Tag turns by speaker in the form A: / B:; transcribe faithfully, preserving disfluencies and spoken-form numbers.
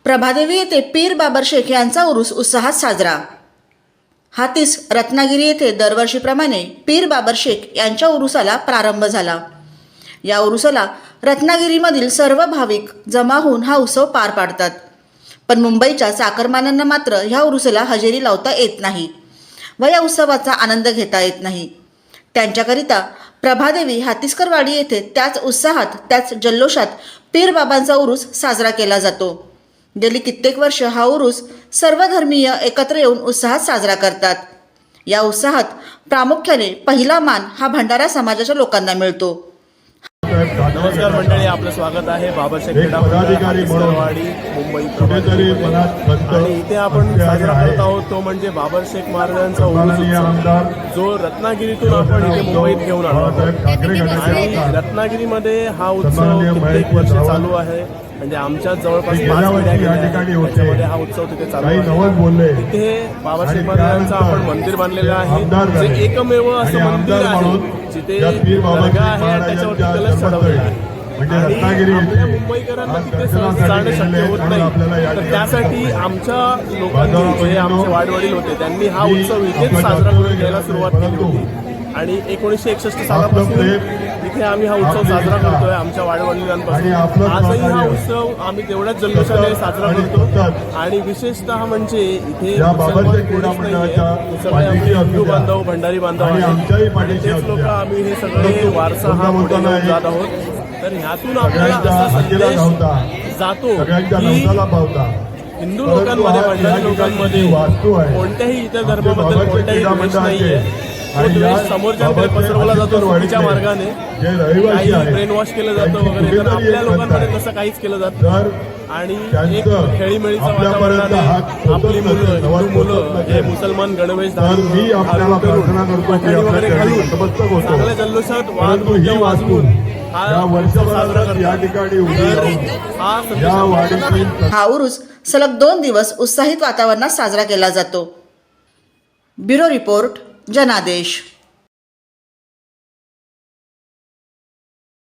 A: प्रभादेवी येथे पीर बाबर शेख यांचा उरूस उत्साहात साजरा। हातीस रत्नागिरी येथे दरवर्षीप्रमाणे पीर बाबर शेख यांच्या उरुसाला प्रारंभ झाला। या उरुसाला रत्नागिरीमधील सर्व भाविक जमा होऊन हा उत्सव पार पाडतात, पण मुंबईच्या चाकरमान्यांना मात्र ह्या उरुसाला हजेरी लावता येत नाही व या उत्सवाचा आनंद घेता येत नाही। त्यांच्याकरिता प्रभादेवी हातीसकरवाडी येथे त्याच उत्साहात त्याच जल्लोषात पीर बाबांचा उरूस साजरा केला जातो। गेली कित्येक वर्ष हा उरूस सर्व धर्मीय एकत्र येऊन उत्साहात साजरा करतात। या उत्साहात प्रामुख्याने पहिला मान हा भंडारा समाजाच्या लोकांना मिळतो।
B: नमस्कार मंडळी, आपलं स्वागत आहे बाबाशेख हातीसकरवाडी मुंबई आणि इथे आपण साजरा करत आहोत तो म्हणजे बाबर शेख महाराजांचा उरूस, जो रत्नागिरीतून आपण इथे मुंबईत घेऊन आलो आहोत। आणि रत्नागिरीमध्ये हा उत्सव कित्येक वर्ष चालू आहे, म्हणजे आमच्या जवळपास पाच पिढ्या गेल्या त्याच्यामध्ये हा उत्सव तिथे चालू आहे। तिथे बाबाशेख महाराजांचं आपण मंदिर बांधलेलं आहे, जे एकमेव असं मंदिर आहे जिथे दर्गा आहे आणि त्याच्यावरती कलश चढवलेला आहे। आणि आपल्या मुंबईकरांना तिथे सहज जाणं शक्य होत नाही, तर त्यासाठी आमच्या लोकांनी, जे आमचे वाडवडील होते, त्यांनी हा उत्सव इथेच साजरा करून घ्यायला सुरुवात केली होती। आणि एकोणीसशे एकसष्ट सालापासून इथे आम्ही हा उत्सव साजरा करतोय आमच्या वाडवडिलांपासून। आजही हा उत्सव आम्ही तेवढ्याच जल्लोषाने साजरा करतो। आणि विशेषतः म्हणजे इथे मुसलमान कोणीच नाहीये, सगळे आमचे हिंदू बांधव, भंडारी बांधव आहेत आणि तेच लोक आम्ही हे सगळे वारसा हा पुढे घेऊन जात आहोत। तर ह्यातून आपल्याला असा संदेश जातो की हिंदू लोकांमध्ये, भंडारी लोकांमध्ये कोणत्याही इतर धर्माबद्दल कोणत्याही द्वेष नाहीये। तो द्वेष समोरच्याकडे पसरवला जातो चुकीच्या मार्गाने, काही ब्रेन वॉश केलं जातं वगैरे, तर आपल्या लोकांमध्ये तसं काहीच केलं जात आणि एक खेळीमेळीचं वातावरणाने आपली मुलं, हिंदू मुलं जे मुसलमान गणवेश घालून वगैरे घालून चांगल्या जल्लोषात वाद नृत्य वाजवून हा उत्सव साजरा करतात।
A: हा उरूस सलग दोन दिवस उत्साहित वातावरणात साजरा केला जातो। ब्युरो रिपोर्ट, जनादेश।